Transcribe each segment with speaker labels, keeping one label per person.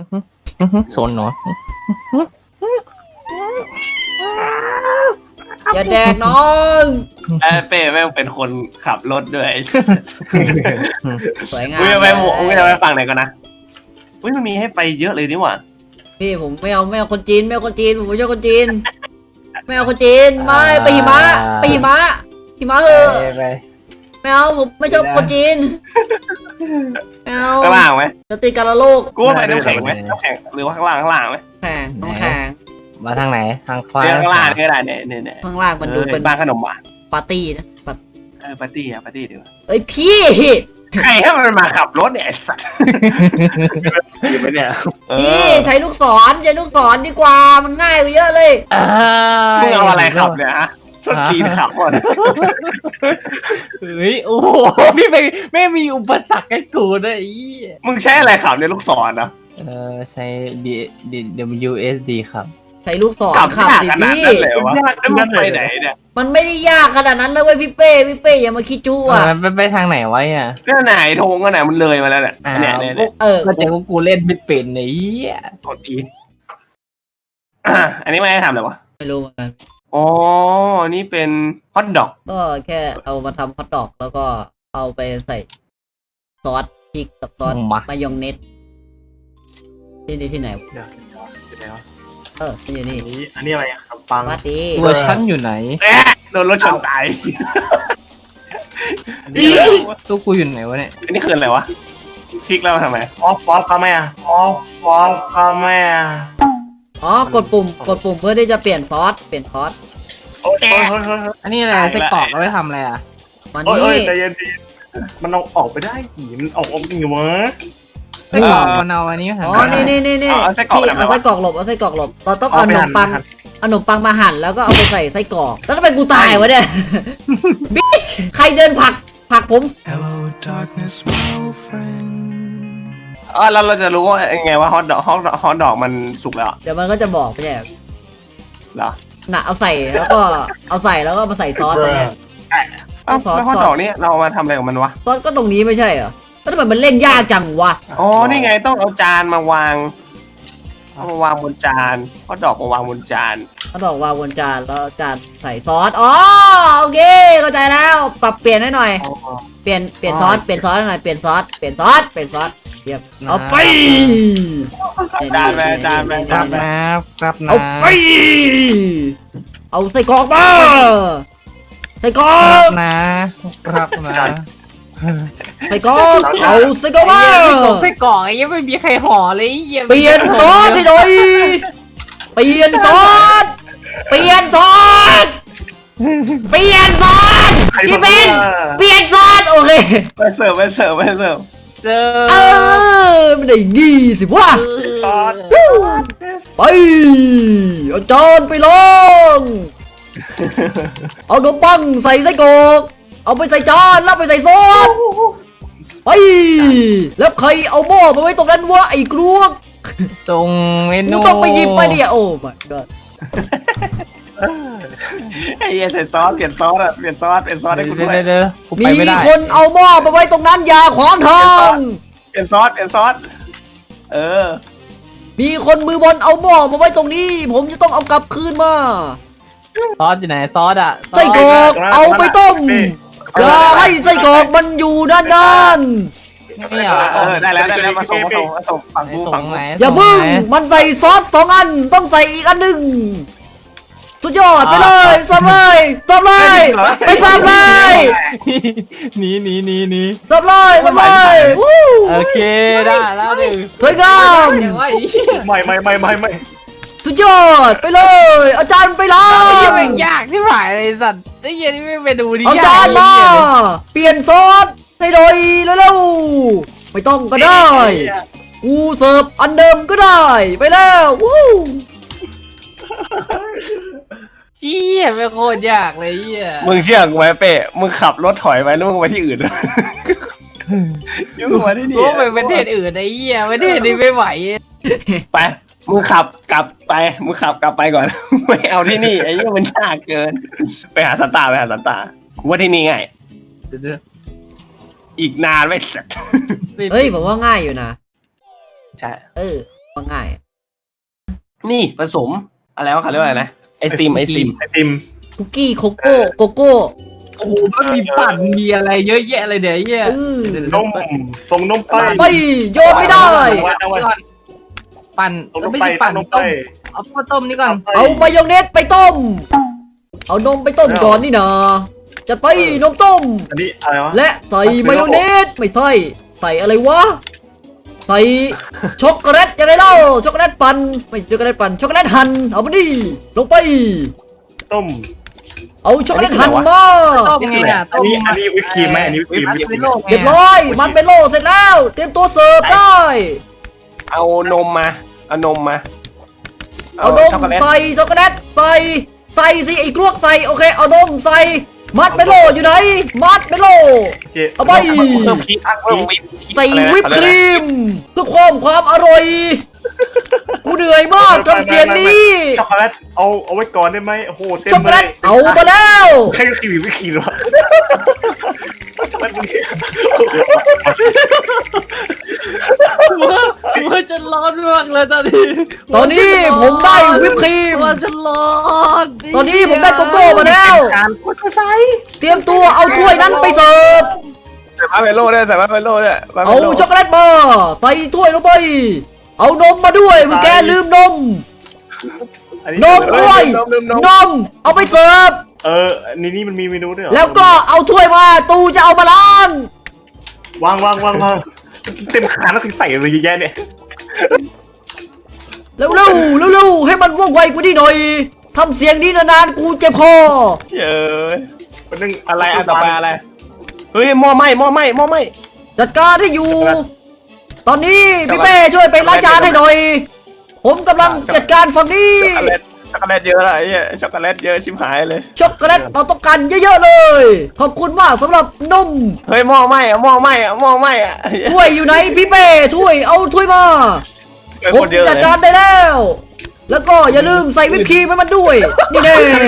Speaker 1: โซนเนาะ
Speaker 2: อย่าแดกน้อง
Speaker 3: เป้แม่งเป็นคนขับรถด้วย
Speaker 2: สวยงาม
Speaker 3: อุ้ยจะไปฝั่งไหนก่อนนะอุ้ยมันมีให้ไปเยอะเลยนี่หว่า
Speaker 2: พี่ผมไม่เอาคนจีนไม่เอาคนจีนผมไม่ชอบคนจีนไม่เอาคนจีนไม่ไปหิมะไปหิมะเออ
Speaker 1: ไป
Speaker 2: ไม่เอาผมไม่ชอบคนจีนไม่เอา
Speaker 3: ข้างล่างไหม
Speaker 2: จะตีกันละโลก
Speaker 3: กูว่าไปน้ำแข็งไหมน้ำแข็งหรือว่าข้างล่างไหม
Speaker 2: แข่งต้องแข่ง
Speaker 1: มาทางไหนทางขวา
Speaker 3: ข้างล่างก็ได้เนี่ย
Speaker 2: ข้างล่างมันดูเป็น
Speaker 3: บ้านขนมอ่ะ
Speaker 2: ปาร์ตี้นะ
Speaker 3: ปาร์ตี้ดีกว่า
Speaker 2: เอ้ยพี่
Speaker 3: ใครให้มันมาขับรถเนี่ยไอ้สัตว์อยู่ไหมเนี่ย
Speaker 2: พี่ใช้ลูกศรดีกว่ามันง่ายกว่าเยอะเลย
Speaker 3: มึงเอาอะไรขับเนี่ยฮะชนจีนขับหมด
Speaker 1: เฮ้ยโอ้โหพี่ไม่มีอุปสรรคให้กูนะอี
Speaker 3: มึงใช้อะไรขับเนี่ยลูกศรนะ
Speaker 1: ใช้ WSD ครับ
Speaker 2: ใช้ลูกศร
Speaker 3: ขับ
Speaker 2: ขับ
Speaker 3: ยาก
Speaker 2: ดิ
Speaker 3: ขนาด
Speaker 2: พี่
Speaker 3: นั้นเลยวะแล้วมึงไปไหนเนี่ย
Speaker 2: มันไม่ได้ยากขนาดนั้นนะเว้ยพี่เป้อย่ามาคิดจู้อ่ะ
Speaker 1: ไปทางไหนไว้อ่ะ
Speaker 3: ก็ไหนธงก็ไหนมันเลยมาแล้วเนี่ยเนี่ย
Speaker 1: ก็แต่กูเล่นไม่เป็นไอ้เหี้ย
Speaker 3: กดอีอันนี้ไม่ได้ทำเลยวะ
Speaker 2: ไม่รู้เหมือนกัน
Speaker 3: อ๋อนี่เป็นฮอทดอก
Speaker 2: ก็แค่เอามาทำฮอทดอกแล้วก็เอาไปใส่ซอสพริกกับซอสมายองเนสที่ไหน
Speaker 4: เดี๋ยว
Speaker 2: มันอยู่นี่
Speaker 4: อันนี้อะไรขนมปัง
Speaker 2: วัดดี
Speaker 1: ตัวชั้นอยู่ไหน
Speaker 3: โดนรถชนตาย
Speaker 1: ตัวกูอยู่ไหนวะเนี่ย
Speaker 3: อันนี้คืออะไรวะพลิกแล้วทำไม
Speaker 4: ออฟฟอสคาแม่ฟอสคาแม่
Speaker 2: อ๋อกดปุ่มเพื่อที่จะเปลี่ยนซอส
Speaker 4: โอ้ย
Speaker 1: อันนี้อะไรไส้กรอกเอาไว้ทำอะไรอ่ะ
Speaker 2: มา
Speaker 4: โอ้
Speaker 2: นี่
Speaker 4: ยใจเย็นมันเอาออกไปได้หีมันออกจริงเหรอวะ
Speaker 1: ไส้กรอกมันเอาอันนี้หัน
Speaker 2: อ๋อนี่พี่เอาไส้กรอกหลบเราต้องเอาขนมปังมาหั่นแล้วก็เอาไปใส่ไส้กรอกแล้วทำไมกูตายวะเนี่ยบิชใครเดินผลักผม
Speaker 5: Hello, darkness, my old friend.
Speaker 3: แล้วเราจะรู้ว่าไงว่าฮอทดอกมันสุกแล้ว
Speaker 2: เดี๋ยวมันก็จะบอกไม่ใช่
Speaker 3: เหรอ
Speaker 2: น่ะเอาใส่แล้วก็มาใส่ซอสตรงเนี้ย
Speaker 3: แล้วฮอทดอกนี่เรามาทำอะไรกับมันวะ
Speaker 2: ซอสก็ตรงนี้ไม่ใช่เหรอแล้วทำไมมันเล่นยากจังวะ
Speaker 3: อ๋อนี่ไงต้องเอาจานมาวางบนจานฮอทดอกมาวางบนจาน
Speaker 2: เขาบอกวางบนจานแล้วจานใส่ซอสอ๋อโอเคเข้าใจแล้วปรับเปลี่ยนให้หน่อยเปลี่ยนซอสให้หน่อยเปลี่ยนซอสเเรียบเอาไป
Speaker 3: จานไปจานไป
Speaker 1: ครับนะครับนะ
Speaker 2: เอาไปเอาใส่กรอกมาใส่กรอ
Speaker 1: ครั
Speaker 2: ก
Speaker 1: บนะครับนะ
Speaker 2: ใส่กรอกเอาใส่กรอกมา
Speaker 1: ไส้กรอกไอ้ยังไม่มีใครห่อเลยไอ้เหี้ย
Speaker 2: เปลี่ยนซอสให้หน่อยเปลี่ยนซอสพี่เป็นเปลี่ยนซอสโอเค
Speaker 3: ไปเสิร์ฟ
Speaker 1: เจอ
Speaker 2: ไม่ได้งี้สิวะ
Speaker 4: ซอส
Speaker 2: ไปเอาจานไปลองเอาขนมปังใส่ไส้กรอกเอาไปใส่จานแล้วไปใส่ซอสไปแล้วใครเอาหม้อมาไว้ตรงนั้นวะไอ้กรวก
Speaker 1: ส่งเม
Speaker 2: กู
Speaker 1: นู
Speaker 2: ต้องไปหยิบไปเนี่ยโอ้ my god
Speaker 3: ไอ้เหี้ยใส่ซอสเปลี่ยนซอสให้กูด้วย
Speaker 1: เดี๋ยวกูไป
Speaker 2: มี
Speaker 1: ไม่ได้
Speaker 2: คนเอาหม้อมาไว้ตรงนั้นอย่าขวางทาง
Speaker 3: เปลี่ยนซอสเออ
Speaker 2: มีคนมือบอลเอาหม้อมาไว้ตรงนี้ ผมจะต้องเอากลับคืนมา
Speaker 1: ซอสอยู่ไหนซอสอ่ะ
Speaker 2: ไส้กรอกเอาไปต้มอย่าให้ไส้กรอกมันอยู่ด้าน
Speaker 1: ไม่เอา
Speaker 3: ได้แล้วมาส่งฝั่งกู
Speaker 1: ส่งไหน
Speaker 2: อย่าพึ่งมันใส่ซอส2 อันต้องใส่อีกอันหนึ่งสุดยอดไปเลยซ้ำเลยไปซ้ำเลย
Speaker 1: หนี
Speaker 2: ซ้ำเลยวู้
Speaker 1: โอเคได้แล้วดิ
Speaker 2: สวยงาม
Speaker 1: เดี๋ยวว่าอี
Speaker 4: ไม่
Speaker 2: สุดยอดไปเลยอาจารย์ไปเล
Speaker 1: ไอ้เหี้ย
Speaker 2: ย
Speaker 1: แม่งยากที่ผ่านเลยสัตว์ไอ้เหี้ยนี่ไม่ไปดูดิ
Speaker 2: เอาจานมาเปลี่ยนซอสให้หน่อยเร็วๆไม่ต้องก็ได้กูเสิร์ฟอันเดิมก็ได้ไปแล้ววู้
Speaker 1: เชี่ยเป็นโคตรยากเลยเหี้ย
Speaker 3: มึงเชื่อกูไหมเป้มึงขับรถถอยไปแล้วมึงไปที่อื่นยุ่งมาที่นี่
Speaker 1: กูไปประเทศอื่นไอ้เหี้ยประเทศนี้ไม่ไหว
Speaker 3: ไปมึงขับกลับไปก่อนไม่เอาที่นี่ไอ้เหี้ยมันยากเกินไปหาสันตากูว่าที่นี่ง่ายอีกนานไม่เสร็จ
Speaker 2: เฮ้ยผมว่าง่ายอยู่นะ
Speaker 3: ใช่
Speaker 2: เออว่าง่าย
Speaker 3: นี่ผสมอะไรวะเขาเรียกว่าอะไรนะไอสตรีม
Speaker 4: ไอติม
Speaker 2: คุกกี้โคโก้โกโก้
Speaker 1: โอ้โหมันมีปั่นมีอะไรเยอะแยะเลยเดี๋ยวไอ้เหี้ย
Speaker 4: นมส่งนมไป
Speaker 2: ไปโยนไม่ได้
Speaker 4: เอาไว้
Speaker 1: ปั่น
Speaker 4: ส่งนม
Speaker 1: ไม่
Speaker 4: ไป
Speaker 1: ใช่ปั่น
Speaker 4: นม
Speaker 1: ต้
Speaker 4: ไป
Speaker 1: มเอาข้าวต้มนี่ก่อน
Speaker 2: เอามายองเนสไปต้ม เอานมไปต้มก่อนนี่นะจัดไปนมต้ม
Speaker 4: อันนี้อะไรวะ
Speaker 2: และใส่มายองเนสไม่ใช่ใส่อะไรวะใส่ช็อกโกแลตยังไงเล่าช็อกโกแลตปั่นไม่ช็อกโกแลตปั่นช็อกโกแลตหั่นเอามาดิลงไป
Speaker 4: ต้ม
Speaker 2: เอาช็อกโกแลตหั่นมา
Speaker 1: ต้มไงอ่ะ
Speaker 4: อันนี้วิปครีมไหมอันนี้วิปครีม
Speaker 1: มัดเป็นโลกไง
Speaker 2: เรียบร้อยมันเป็นโลเสร็จแล้ว เตรียมตัวเสิร์ฟได้
Speaker 3: เอานมมาเอานมมา
Speaker 2: เอานม
Speaker 3: ช็อกโกแลต
Speaker 2: ใส่ช็อกโกแลตใส่สิไอ้กลวกใส่โอเคเอานมใส่มัดเป็นโลอยู่ไหนมัดเป็นโล เอาไป
Speaker 3: เพิ่มพริกเพิ่มวิป
Speaker 2: ใส่วิปครีมเพื่อความอร่อยกูเหนื่อยมากทำเสียงนี้
Speaker 4: ช็อกโกแลตเอาไว้ก่อนได้ไหมโอ้โหเต็ม
Speaker 2: ช็อกโก
Speaker 4: เล
Speaker 2: แล
Speaker 4: ย
Speaker 2: ตเอามาแล้ว
Speaker 4: ใครก็คิววิปครีมวะช็อกโกแลตมึง
Speaker 1: มันจะร้อนมากเลยตอนนี้
Speaker 2: ตอนนี้ผมได้วิปครีม
Speaker 1: มันจะร้อน
Speaker 2: ตอนนี้ผมได้โกโก้มาแล้ว
Speaker 4: การกดไฟ
Speaker 2: เตรียมตัวเอาถ้วยนั้นไปเสิร์ฟ
Speaker 3: ใส่มาเมโล่ด้วยใส่มาเมโล่ด้วย
Speaker 2: เอาช็อกโกแลตมาใส่ถ้วยลงไป เอานมมาด้วยเมื่อแกลืมนม นมด้วย นม เอาไปเสิร์ฟ
Speaker 4: นี่มันมีเมนูด้วยเหรอ
Speaker 2: แล้วก็เอาถ้วยมาตูจะเอามาล้าง
Speaker 4: วางเต็มขาแล้วถึงใส่เลยเยอะแยะเนี่ย
Speaker 2: เร็วให้มันว่องไวกว่านี้หน่อยทำเสียงนี้นานๆกูเจ็บคอ
Speaker 3: เย้ย
Speaker 4: มันนึง
Speaker 3: อะไรอันต่อไปอะไรเฮ้ยหม้อไหม้
Speaker 2: จัดการให้อยู่ ตอนนี้พี่เป้ช่วยไปล้างจานให้หน่อย ผมกำลังจัดการฝั่งนี้
Speaker 3: ช็อกโกแลตเยอะอะไรเนี่ยช็อกโกแลตเยอะชิบหายเลย
Speaker 2: ช็อกโกแลตเราต้องการเยอะๆเลย ขอบคุณมากสำหรับนม
Speaker 3: เฮ้ยหม้อไหม้อะ
Speaker 2: ถ้วยอยู่ไหนพี่เป้ถ้วยเอาถ้วยมา ผมจัดการได้แล้ว แล้วก็อย่าลืมใส่วิปครีมให้มันด้วย นี่แน่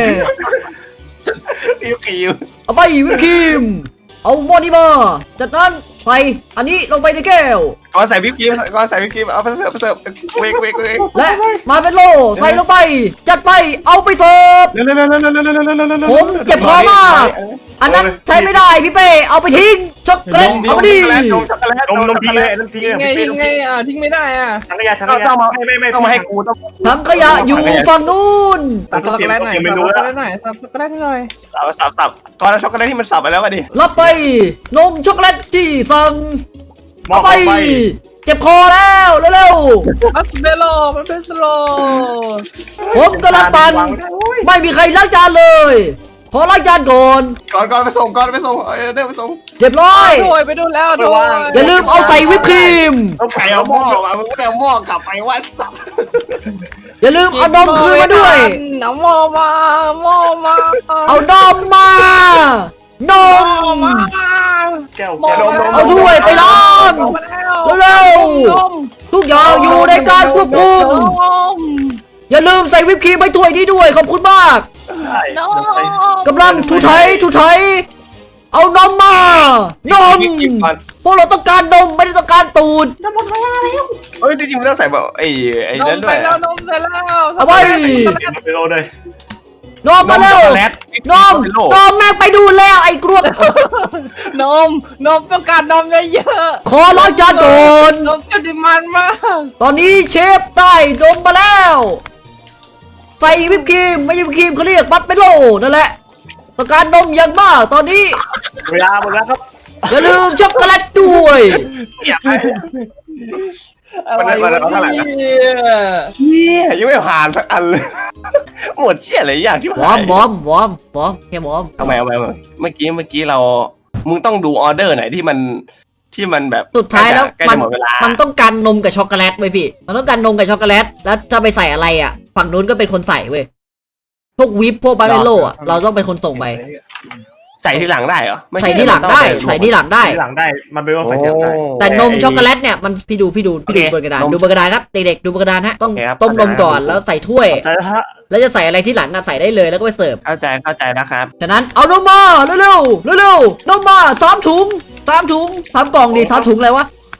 Speaker 3: วิปครีม
Speaker 2: เอาไปวิปครีม เอาหม้อนี้มาจากนั้นใส่อันนี้ลงไปในแก้ว
Speaker 3: ก่อนใส่วิปครีมเอาไปเสิร์ฟเวก
Speaker 2: และมาเป็นโลใส่ลงไป จัดไปเอาไปเสิร์ฟ
Speaker 3: เร็ว
Speaker 2: ผมเจ็บคอมาก อันนั้นใช้ไม่ได้พี่เป้เอาไปทิ้งช็อกโกแลตเอามาดิ
Speaker 3: นมช็อกโกแลต
Speaker 4: นมทิ้งเลยทิ้งเลย
Speaker 1: ทิ้งไงทิ้งไม่ได้อ่ะ
Speaker 4: ทั้งขยะไม่
Speaker 3: ต้องมาให้กูต้อง
Speaker 2: ถังขยะอยู่ฝั่งนู้น
Speaker 1: สับช็อกโกแลตหน่อยสับช็อกโกแลตหน่อยสับช็อกโกแลตหน่อย
Speaker 3: สับก่อนช็อกโกแลตที่มันสับไปแล้ววะดิ
Speaker 2: รับไปนมช็อกโกแลตที่สั่ง
Speaker 4: มอ
Speaker 2: เอา
Speaker 4: บ
Speaker 2: ไป
Speaker 4: ไป
Speaker 2: เจ็บคอแล้วเร็ว
Speaker 1: มันเป็นโลมันเป็นสโล
Speaker 2: ๆผมกำลังปั่นไม่มีใครล้างจานเลย ขอล้างจานก่อน
Speaker 3: ก่อนไปส่งเดินไปส่ง
Speaker 2: เรียบร้อย
Speaker 1: ด้วยไปดูแล้วด้วย
Speaker 2: อย่าลืมเอาใส่วิปครีม
Speaker 4: ต้องใส่
Speaker 3: เอา
Speaker 4: เอา
Speaker 3: ห
Speaker 4: ห
Speaker 3: ม้
Speaker 4: ม้
Speaker 3: อ
Speaker 4: อ
Speaker 3: มามึงไม่เอาหม้อกลับไปว่าสับ
Speaker 2: อย่าลืมเอานมคืนมาด้วย
Speaker 1: เอาหม้อมา
Speaker 2: เอานมมา นม
Speaker 4: แก้ว
Speaker 2: เอาถ้วยไปล้างเร็วๆทุกอย่างอยู่ในการควบคุม อย่าลืมใส่วิปครีมไปถ้วยนี้ด้วยขอบคุณมากกำลังถูไถเอานมมานมพวกเราต้องการนมไม่ได้ต้องการตูด
Speaker 3: เฮ้ยจริงๆมันต้องใส่แบบไอ้
Speaker 1: น
Speaker 3: นั่
Speaker 1: ม
Speaker 3: นด้
Speaker 1: ไป
Speaker 3: วย
Speaker 1: แล้วนมไปแล้ว
Speaker 2: เอาไป
Speaker 4: ไปโรเลย
Speaker 2: นมมาเร็ว
Speaker 3: ช็อกโกแลต
Speaker 2: นมแม่งไปดูแล้วไอ้กรวก
Speaker 1: นมต้องการนมเยอะ
Speaker 2: ขอล้างจานก่อน
Speaker 1: นมจะดิมันมาก
Speaker 2: ตอนนี้เชฟได้นมมาแล้ว ใส่วิปครีมไม่ใช่วิปครีมเขาเรียกมัดเมโลนั่นแหละต้องการนมอย่างมากตอนนี้
Speaker 4: เวลาหมดแล้วครับ
Speaker 2: อย่าลืมช็อกโกแลตด้วย
Speaker 3: อยากให้
Speaker 1: อะไร
Speaker 3: มันเท่าไหร่นะ เชี่ยยังไม่ผ่านสักอันเลยหมดเชี่ยอะไรอย่างที่
Speaker 2: วอ
Speaker 3: ผ่า
Speaker 2: ร์
Speaker 3: น
Speaker 2: มแค่วอร์ม
Speaker 3: ทำไมเมื่อกี้เรามึงต้องดูออเดอร์ไหนที่มันแบบ
Speaker 2: สุดท้ายแล้ว
Speaker 3: ใกล้
Speaker 2: มัน
Speaker 3: จะหมดเวลา
Speaker 2: มันต้องการนมกับช็อกโกแลตไว้ยพี่ มันต้องการนมกับช็อกโกแลตแล้วจะไปใส่อะไรอ่ะ ฝั่งนู้นก็เป็นคนใส่เว้ยพวกวิปพวกบาร์เมโลอ่ะเราต้องเป็นคนส่งไป
Speaker 3: ใส่ที่หลังได้เหรอไม่
Speaker 2: ใส่ที่หลังได้ใส่ที่หลังได้
Speaker 4: หลังได้มันเป็นว่าใส่หลังได้
Speaker 2: แต่นมช็อกโกแลตเนี่ยมันพี่ดูบนกระดานดูบนกระดานครับเด็กๆดูบนกระดานฮะต้องต้มนมก่อนแล้วใส่ถ้วย
Speaker 4: ใช่ฮะ
Speaker 2: แล้วจะใส่อะไรที่หลังอ่ะใส่ได้เลยแล้วก็ไปเสิร์ฟ
Speaker 3: เข้าใจนะครับ
Speaker 2: ฉะนั้นเอานมมาเร็วๆนมมา3 ถุง3 กล่องดิ3 ถุงอะไรวะ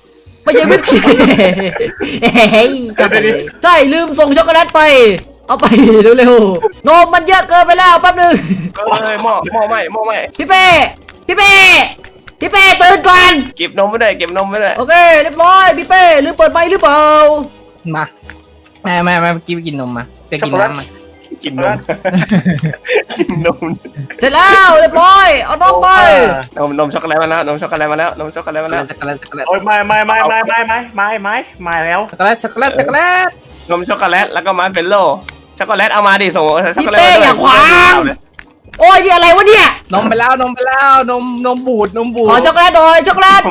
Speaker 2: ไม่ใช่วิปครีมเฮ้ยใช่ลืมส่งช็อกโกแลตไป เอาไปเร็วๆนมมันเยอะเกินไปแล้วแป๊บนึง
Speaker 3: เอ้ยหม้อไหม้
Speaker 2: พี่เป้ตื่นก่อน
Speaker 3: เก็บนมไม่ได้เก็บนมไม่ได้
Speaker 2: โอเคเรียบร้อยพี่เป้ลืมเปิดไมค์หรือเปล่า
Speaker 1: มาแม่เมื่อกี้ไปกินนมมาจะกินน้ำมา
Speaker 3: กินนมกินนม
Speaker 2: เสร็จแล้วเรียบร้อยเอานมไป
Speaker 3: นมช็อกโกแลตมาแล้วนมช็อกโกแลตมาแล้วนมช็อกโกแลตมาแล้ว
Speaker 1: ช็อกโกแลตช็อกโกแลต
Speaker 4: โอ้ยไม่แล้ว
Speaker 1: ช็อกโกแลตช็อกโกแลตช็อกโกแลต
Speaker 3: นมช็อกโกแลตแล้วก็มาร์ชเมลโล่ช็อกโกแลตเอามาดิส่งช็อกโกแลต
Speaker 2: พี่เป้อย่าขวางโอ้ยนี่อะไรวะเนี่ย
Speaker 1: นมไปแล้วนมบูด
Speaker 2: ขอช็อกโกแลตหน่อยช็อกโกแลต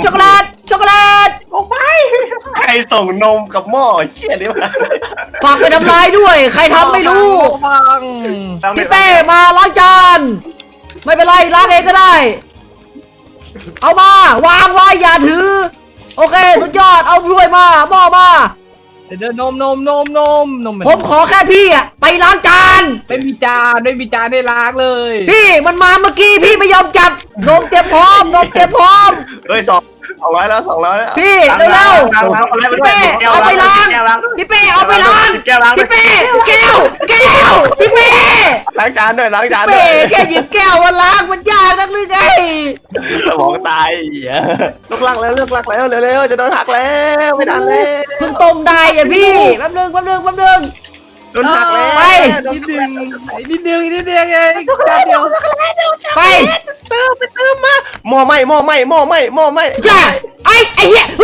Speaker 3: ใครส่งนมกับหม้อเชี่ยนี่วะ
Speaker 2: ฝากไปทำลายด้วยใครทำไม่รู้
Speaker 1: ฟัง
Speaker 2: พี่เป้มาล้างจานไม่เป็นไรล้างเองก็ได้ เอามาวางไว้อย่าถือ โอเคสุดยอดเอาถ้วยมาหม้อมา
Speaker 1: เดี๋ยวนม
Speaker 2: ผมขอแค่พี่อะไปล้างจาน
Speaker 1: ไม่มีจานได้ล้างเลย
Speaker 2: พี่มันมาเมื่อกี้พี่ไม่ยอมจับนมเตรียมพร้อม
Speaker 3: เฮ้ย200แล้ว200แล้ว
Speaker 2: พี่เร็วๆพี่เป้เอาไปล้างพี่เป้เอาไปล้างพี่เป้แก้วพี่เป้
Speaker 3: ล้างจานด้วยล้างจานด้
Speaker 2: เป้
Speaker 3: วย
Speaker 2: แค่หยิบแก้วมาล้างมันยากนักหรือไง
Speaker 3: สมองตายลูกลักแล้วเร็วจะโดนหักแล้วไม่ทันแล้ว
Speaker 2: เพิ่งต้มได้อ่ะพี่แป๊บนึง
Speaker 3: โดนหักแล้ว
Speaker 2: ไป
Speaker 1: นิดเดียวไงจานเดียว
Speaker 2: ไป
Speaker 3: เติมมาหม้อไหม้
Speaker 2: จ้าไอ้เหี้ย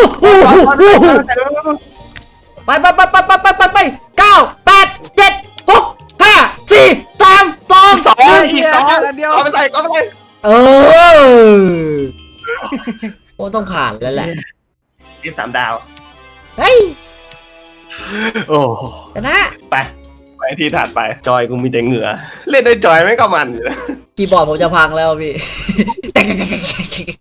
Speaker 2: ไป9 8 7 6 5 4 3 2
Speaker 3: อีกสองเอาไปใส่
Speaker 2: 1เออโอ้ต้องผ่านแล้วแหละ
Speaker 3: ทีม3 ดาว
Speaker 2: เฮ้ย
Speaker 4: โอ้
Speaker 2: ชนะ
Speaker 3: ไปที่ถัดไปจอยกูมีแต่เหงื่อเล่นด้วยจอยไม่ก็มันอยู่
Speaker 2: คีย์บอร์ดผมจะพังแล้วพี่